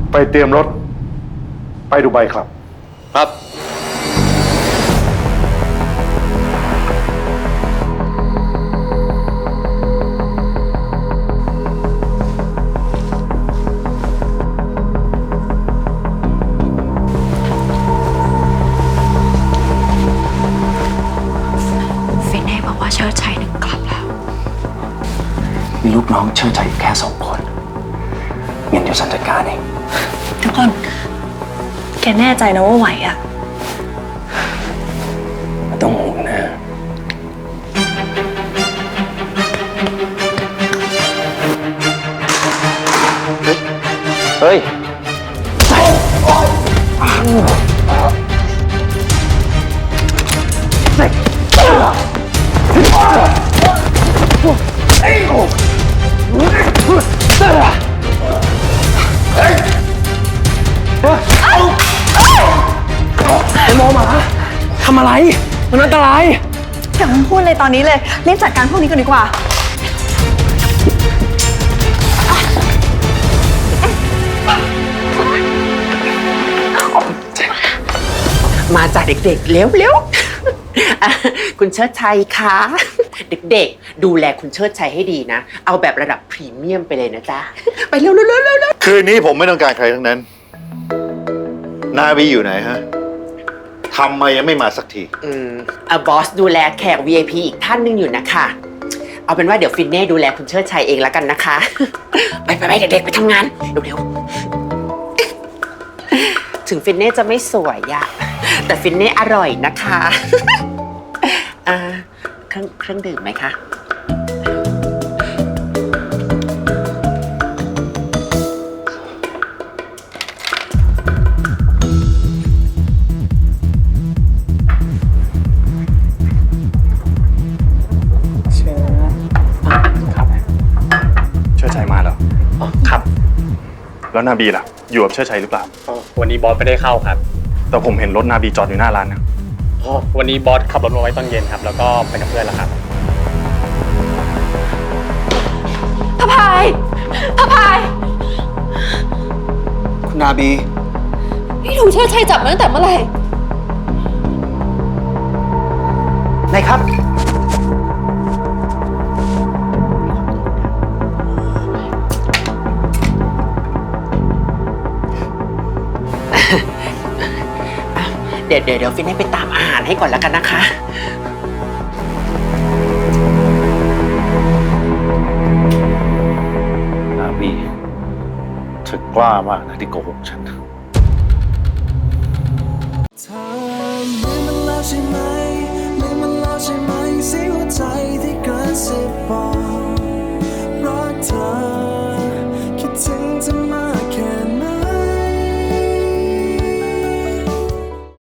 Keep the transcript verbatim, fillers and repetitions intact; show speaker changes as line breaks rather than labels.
ไปเตรียมรถไปดูไบครับ
ครับ
ฟินเน่บอกว่าเชิดชัยหนึ่งกลับแล้ว
มีลูกน้องเชิดชัยแค่สองคนงั้นเดี๋ยวฉันจัดการเอง
ทุกคนแกแน่ใจนะว่าไหวอ่ะ
ไม่ต้องห่วงนะเฮ้ยไอ้หมอหมาทำอะไรมันอันตราย
อย่าเพิ่งพูดเลยตอนนี้เลยรีบจัดการพวกนี้กันดีกว่า
มาจากเด็กๆเร็วๆคุณเชิดชัยคะเด็กๆดูแลคุณเชิดชัยให้ดีนะเอาแบบระดับพรีเมียมไปเลยนะจ๊ะไปเร็วๆๆๆ
คืนนี้ผมไม่ต้องการใครทั้งนั้นนาวีอยู่ไหนฮะทำไมยังไม่มาสักที
อืมอ่ะบอสดูแลแขก วี ไอ พี อีกท่านหนึ่งอยู่นะคะเอาเป็นว่าเดี๋ยวฟินเน่ดูแลคุณเชิดชัยเองแล้วกันนะคะไปไปไปเด็กๆไปทำงานเร็วๆถึงฟินเน่จะไม่สวยอะแต่ฟินเน่อร่อยนะคะอ่าเครื่องเครื่องดื่มไหมคะ
เชิดชัยมาแล้วครับแล้วนาบีล่ะอยู่กับเชิดชัยหรือเปล่า
วันนี้บอสไม่ได้เข้าครับ
แต่ผมเห็นรถนาบีจอดอยู่หน้าร้านนะ
วันนี้บอสขับรถมาไว้ตอนเย็นครับแล้วก็ไปกับเพื่อนแล้วครับ
พะพายพะพาย
คุณนาบี
พี่ถูกเชิดชัยจับมาตั้งแต่เมื่อไหร่
ไหนครับ
เดี๋ยวเดี๋ยวเดี๋ยวฟินให้ไปตามอาหารให้ก่อนแล้วกันนะคะ
นาบีเธอกล้ามากนะที่โกหกฉัน
เธอเหมือนมันแล้วใช่ไหม